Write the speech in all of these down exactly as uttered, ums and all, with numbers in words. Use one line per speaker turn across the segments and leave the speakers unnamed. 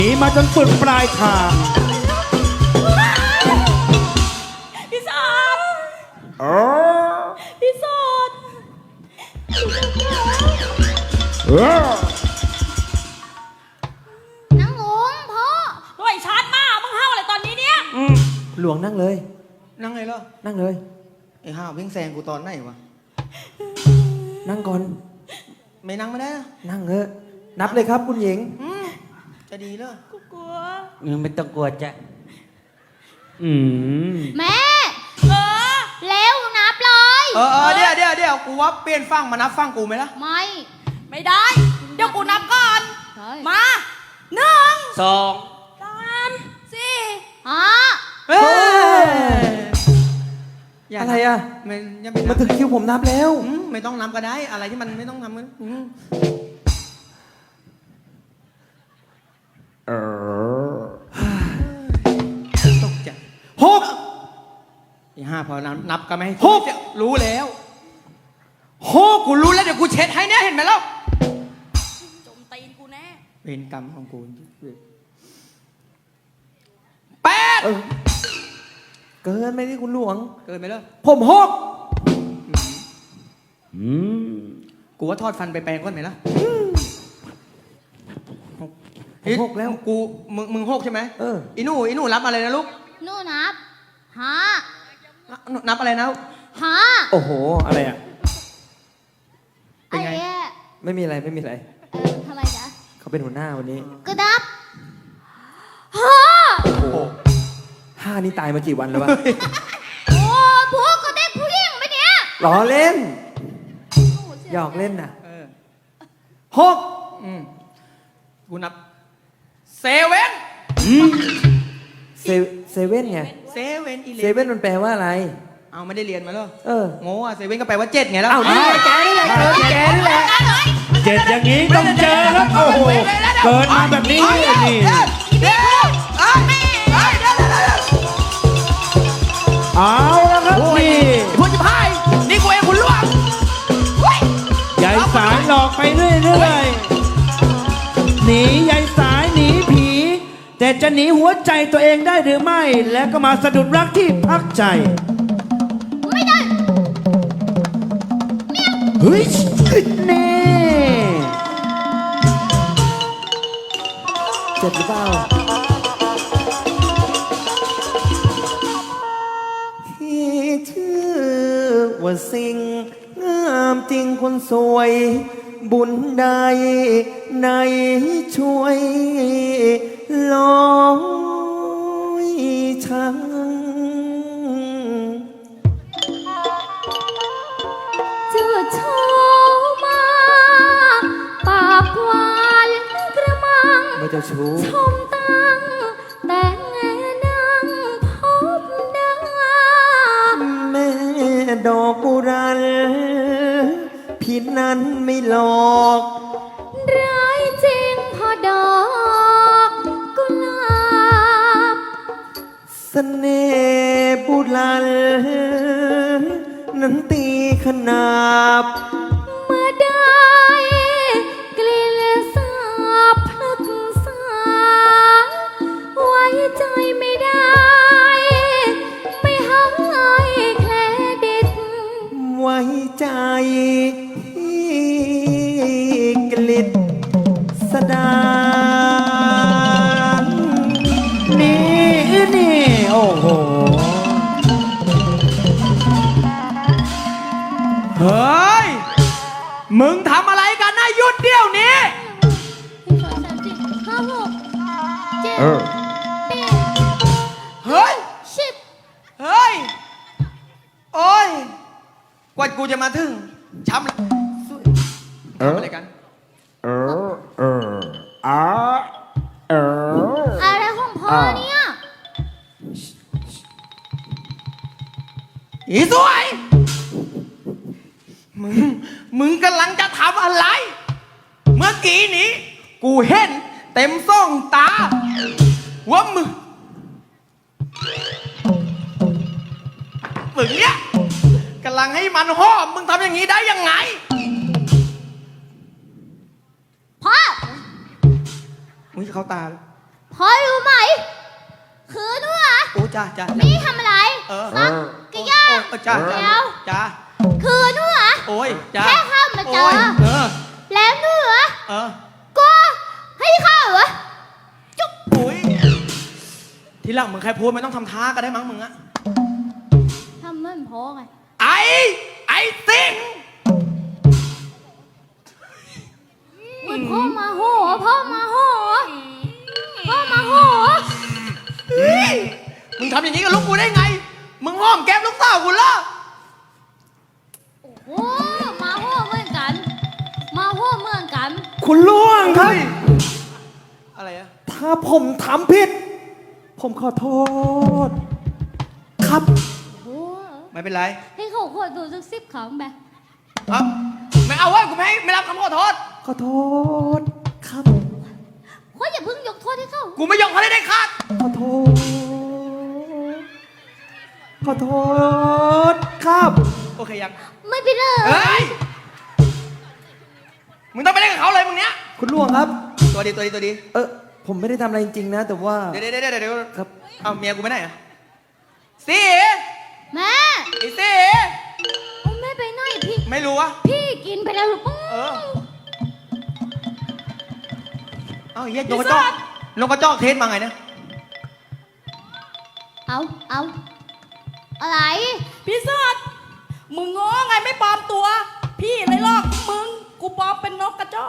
หนีมาจนสุดปลายทาง
พี่สอด
เออ
พี่สอด
เออ
นางหงพ่อ
เฮ้ยชาร์จมามึงเห่าอะไรตอนนี้เนี่ย
หลวงนั่งเลย
นั่งไงล่ะ
นั่งเลย
ไอ้ห้าวเพ่งแซงกูตอนไหนวะ
นั่งก่อน
ไม่นั่งไม่ได้นะ
นั่งเถอะนับเลยครับคุณหญิง
อืมจะดีเลย
กูกลัว
มึงไม่ต้องกลัวจ้ะอืม
แม่
เออ
เร็วนับเลย
เออเออเดี๋ยวเดี๋ยวเดี๋ยวกูว่าเปลี่ยนฟังมานับฟังกูไหมล่ะ
ไม่
ไม่ได้ เดี๋ยวกูนับก่อน
ใช่
มาหนึ่ง
สอง
สามสี่
อ่ะ
เฮ้ย
อะไรอ่ะ
ไม่ยังไม่
มา
นับ
ถึงคิวผมนับแล้ว
อืมไม่ต้องนับก็ได้ อะไรที่มันไม่ต้องทำมันอืม
เออ
ตกใจ
หก
ไอ้ห้าพอนับนับก็ไม่ให้
หก
รู้แล้วหกกูรู้แล้วเดี๋ยวกูเช็ดให้เนี่ยเห็นไหมล่ะ
จมตีนกูแน่
เวรกรรมของกูแปด
เออเกินไปที่คุณหลวง
เกินไปแล้ว
ผมหก
อืม
กูว่าทอดฟันไปแปลงก่อนไหมล่ะ
ผมหกแล้ว
กูมึงมึงหกใช่ไหม
เออ
อีหนูอีหนูรับอะไรนะลูก
นู่นนับห้า
นับอะไรนะ
ห้า
โอ้โห อะไรอ่ะ
เป็น
ไอ้
ไง
แย่
ไม่มีอะไรไม่มีอะไร
เออทำไมจ๊ะ
เขาเป็นหัวหน้าวันนี้
ก็นับห้า
โอ้โหห้านี่ตายมากี่วันแล้ววะ
โอ้พวกก็ได้ผู้หญิงไหมเนี่ย
ล้อเล่น
โอ้โสี
หยอกเล่นน่ะ
เออ
หก
อืมกูนับเซเว่น
เซเซเว่นไง
เซเว่นอีเล
เซเว่นมันแปลว่าอะไร
เอาไม่ได้เรียนมาเหรอ
เออ
โง่อะเซเว่นก็แปลว่าเจ็ดไงแล้ว
อ้าวนี่แกนี่แหละเออแกนี่แหละ
เจ็ดอย่างนี้ต้องเจอครับโอ้โหเกิดมาแบบนี้นี่
เดี๋ยวเอ้ยเอ้ยเดี๋ยวเดี๋ยวเดี๋ยว
เอาแล้วครับนี่
ไอ้พวกจิพายนี่กูเองคุณล่วงเฮ้ย
ยายสายหลอกไปเรื่อยๆหนียายสายหนีผี แต่จะหนีหัวใจตัวเองได้หรือไม่ แล้วก็มาสะดุดรักที่พักใจ
ไม่ได้
เฮ้ยนี่
เจ็บหรือเปล่าที่ชื่อว่าสิ่งงามจริงคนสวย บุญใดในช่วยลอยช้าง
เจ้าโชมาปากหวานกระมัง
ไม่เจ้าชู้
ชมตั้งแต่แง่ดังพบดา
แม่ดอกบุรันผิดนั้นไม่หลอก
ร้ายจริงพอดอกกุหลาบ
เสน่ห์บุรันนั้นตีขนาบ
เมื่อได้กลิ่นสาบพลึกษาไว้ใจไม่ได้ ไม่ให้เครดิต
ไว้ใจที่กลิดสดา
นี่นี่โอ้โห
เฮ้ยมึงทำอะไรกันนะหยุดเดี๋ยวนี้
สองสามสี่ห้าหกเจ็ด
เออ
แปด
เฮ้ย
สิบ
เฮ้ยโอ้ยกว่ากูจะมาถึงช้ำละ
เออ
ทำอะไรกัน
เออเอออาเออ
อะไรของพ่อเนี่ย
อีสวย มึง มึงกำลังจะทำอะไร เมื่อกี้นี้ กูเห็นเต็มส่องตา ว่ามึง มึงเนี่ยกำลังให้มันหอมมึงทำอย่างนี้ได้ยังไง
พ่อ
มึงจะเข้าตาเลย
พ่อรู้ไหม คือหนูอะ
โอ้จ้าจ้า
นี่ทำอะไร
เออ
ฮะกะย่า
โอ้เออจ้าจ้า
เดี๋ยว
จ้า
คือหนูอะ
โอ้ยจ้า
แค่เข้ามาเจอ
โยเออ
แล้วหนูอะ
เออ
ก็ให้เข้าเหรอ
โอ้ยทีหลังมึงใครพูดไม่ต้องทำท่าก็ได้มั้งมึงอะ
ทำเหมือนพ่อไง
ไอ้ไอ้สิง
เหมือนพ่อมาโหพ่อมาโหพ่อมาโห
เฮ้ยมึงทำอย่างนี้กับลูกกูได้ไง มึงห้อมแก้มลูกสาวกูเหรอ
โอ้โหมาโหเหมือนกัน มาโหเหมือนกัน
คุณล่วงครับ
อะไรอะ
ถ้าผมทำผิด ผมขอโทษ ครับ
โอ้โห
ไม่เป็นไร
ให้เขาขอดูสักสิบครั้งไป
เอ้าไม่เอาเว้ยกูไม่ให้ไม่รับคำขอโทษ
ขอโทษ ครับ
เขาอย่าเพิ่งยกโทษให้เขา
กูไม่ยอมเขาได้ได้ขาด
ขอโทษ ขอโทษ ครับ
โอเคยัง
ไม่เป็นไร
เฮ้ย มึงต้องไปเล่นกับเขาเลยมึงเนี้ย
คุณล่วงครับ
ตัวดีตัวดีตัวดี
เออผมไม่ได้ทำอะไรจริงๆนะ แต่ว่า
เดี๋ยวเดี๋ยวเดี๋ยวเดี๋ยว
ครับ
เอาเมียกูไปไหนอะสิ
แม่
ไอ้สิ
โอ้แม่ไปไหนพี่
ไม่รู้วะ
พี่กินไปแล้วหรือเปล่า
เออ เอาเหี้ยลงกระจอกลงกระจอกเทสมาไงเนี่ย
เอาเอาอะไร
พี่เสิร์ชมึงง้อไงไม่ปลอมตัว พี่เลยหลอกมึง กูปลอมเป็นนกกระจอก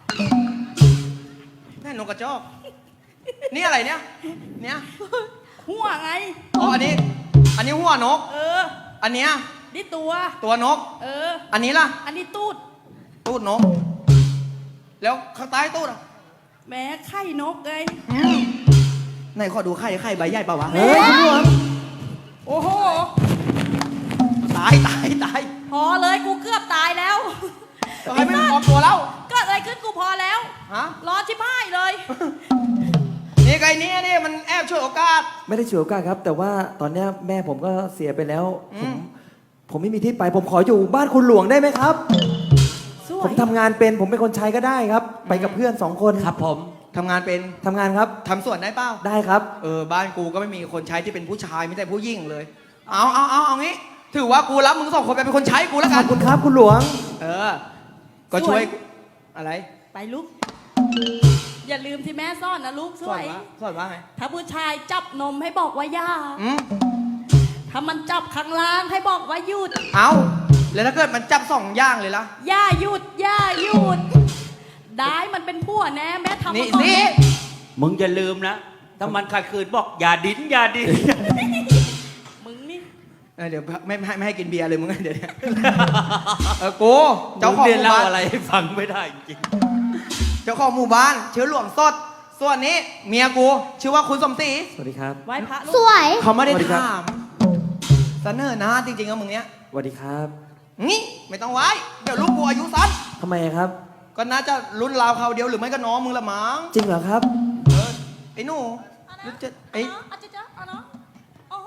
แม่นกกระจอก นี่อะไรเนี่ย เนี่ย
หัวไง
อ๋ออันนี้ อันนี้หัวนก
เออ
อันเนี้ย
นี่ตัว
ตัวนก
เออ
อันนี้ล่ะ
อันนี้ตูด
ตูดนก แล้วข้างใต้ตูดอ่ะ
แม้ไข่นกไง
ไหนขอดูไข่ไข่ใบใหญ่เปล่าวะ
เฮ้ยคุณล่วง
โอ้โห
ตายตายตาย
พอเลยกูเกือบตายแล้ว
ก็ให้ไม่ปลอมตัวแล้ว
เกิดอะไรขึ้นกูพอแล้ว
ฮะ
รอชิบหายเลย
นี่ไงนี่นี่มันแอบช่วยโอกาส
ไม่ได้ฉวยโอกาสครับ แต่ว่าตอนเนี้ยแม่ผมก็เสียไปแล้ว
อื
ผม ม ผมไม่มีที่ไป ผมขออยู่บ้านคุณหลวงได้ไหมครับ
สว
ผ
ย
มทำงานเป็น ผมเป็นคนใช้ก็ได้ครับ ไปกับเพื่อนสองคน
ครับผม
ทำงานเป็น
ทำงานครับ
ทำสวนได้เปล่า
ได้ครับ
เออบ้านกูก็ไม่มีคนใช้ที่เป็นผู้ชายไม่แต่ผู้หญิงเลย เอาเอาเอาเอางี้ ถือว่ากูรับมึงสองคนไปเป็นคนใช้กูแล้ว
ข
กั
อน บคุณครับคุณหลวง
เออ ก็ช่วยกูอะไร
ไปลูก อย่าลืมที่แม่ซ่อนนะลูกส
สอ
วน ย
ว่าสอนว่าไง
ถ้าผู้ชายจับนมให้บอกว่าย่า
อืม
ถ้ามันจับข้างล่างให้บอกว่าหยุด
เอาแล้วถ้าเกิดมันจับสองอย่างเลยล่ะ
ย่าหยุด ย่าหยุด ได้มันเป็นผัวแน่แม่ทำ
นี่
มาก่อน
สิ
มึงอย่าลืมนะ ถ้ามันขัดขืนบอกอย่าดิ้นอย่าดิ้น
มึงนี่
เออเดี๋ยวไม่ไม่ให้ไม่ให้กินเบียร์เลยมึงเดี๋ยวเนี่ยเออกูเจ้าของ
เรีย
ห
น
มู่
เล่า
บ้าน
อะไรให้ฟังไม่ได้จริง
เจ้าของหมู่บ้านชื่อหลวงสด ส่วนนี้เมียกูชื่อว่าคุณสมศรี
สวัสดีครับ
ไหว้พระลู
ส
ก
วย
เขาไม่ได้
สวัสดีครับ
ถามเสนอหนะจริงๆอะมึงเนี้ย
สวัสดีครับ
งี้ไม่ต้องไว้ เดี๋ยวลูกกูอายุสั้น
ทำไมครับ
ก็น่าจะรุ่นราวเขาวเดียวหรือไม่ก็น้องมึงละมั้ง
จริงเหรอครับ
เออไอ้หนูรู้จะไอ้
เนาะอาจจะเจอเอาเนาะโอ้โห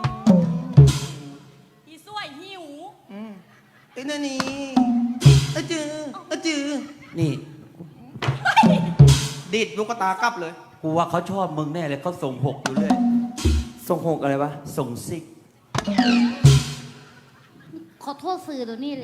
อีสวยหิว
อืมไอ้นั่นนี่อะจืออะจือ
ๆนี่
ดีดลูกกระตากลับเลย
กูว่าเขาชอบมึงแน่เลยเขาส่งหกอยู่เรื่อย
ส่งหกอะไรวะ
ส่งซิก
ขอโทษสื่อตัวนี้เลย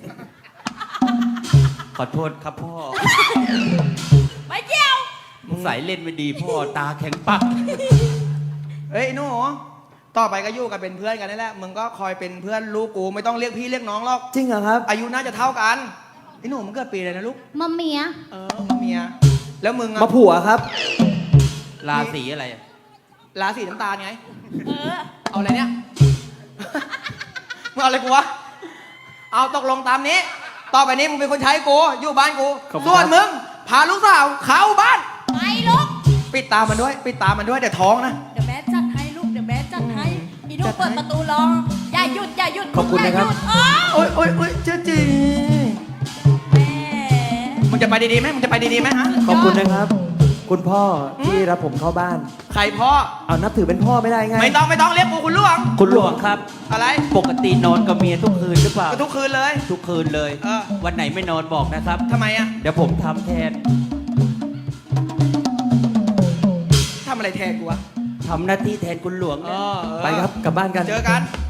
ขอโทษครับพ่อ
ไปเจียว
มึงใส่เล่นไม่ดีพ่อตาแข็งปัก
เฮ้ยไอ้หนูต่อไปก็อยู่กันเป็นเพื่อนกันนี่แหละมึงก็คอยเป็นเพื่อนลูกกูไม่ต้องเรียกพี่เรียกน้องหรอก
จริงเหรอครับ
อายุน่าจะเท่ากันไอ้หนูมึงเกิดปีอะไรนะลูก
มาเมีย
เออมาเมีย แล้วมึงอะ
มาผัวครับ
ราศีอะไรอะ
ราศีน้ำตาลไง
เออ
เอาอะไรเนี่ย มึงเอาอะไรกูวะ เอาตกลงตามนี้ ต่อไปนี้มึงเป็นคนใช้กู อยู่บ้านกู
ขอบคุณ
ส่วน
ครับ
มึง พาลูกสาวเข้าบ้าน
ไปลูก
ปิดตามันด้วย ปิดตามันด้วยเดี๋ยวท้องนะ
เดี๋ยวแม่จัดให้ลูก เดี๋ยวแม่จัดให้อีลู
จั
ก
ดให้
เปิดประตูรอ อย่าหยุด อย่าหยุด
ขอบคุณนะครับ
อย่าหยุดอ้าว
โอ๊ยโอ๊ยโอ๊ยเจ๊จี
แม่
มึงจะไปดีๆไหมมึงจะไปดีๆไหมฮะ
ขอบคุณนะครับ คุณพ่อที่รับผมเข้าบ้าน
ใครพ่อ
เอานับถือเป็นพ่อไม่ได้ไง
ไม่ต้องไม่ต้องเรียกกูคุณหลวง
คุณหลวงครับ
อะไร
ปกตินอนกับเมียทุกคืนหรือเปล่า
ก็ทุกคืนเลย
ทุกคืนเลย
เออ
วันไหนไม่นอนบอกนะครับ
ทำไมอะ
เดี๋ยวผมทำแทน
อะไรแทนกูวะ
ทำหน้าที่แทนคุณหลวง
เอ
นะ
อเออ
ไปครับกลับบ้านกัน
เจอกัน
ค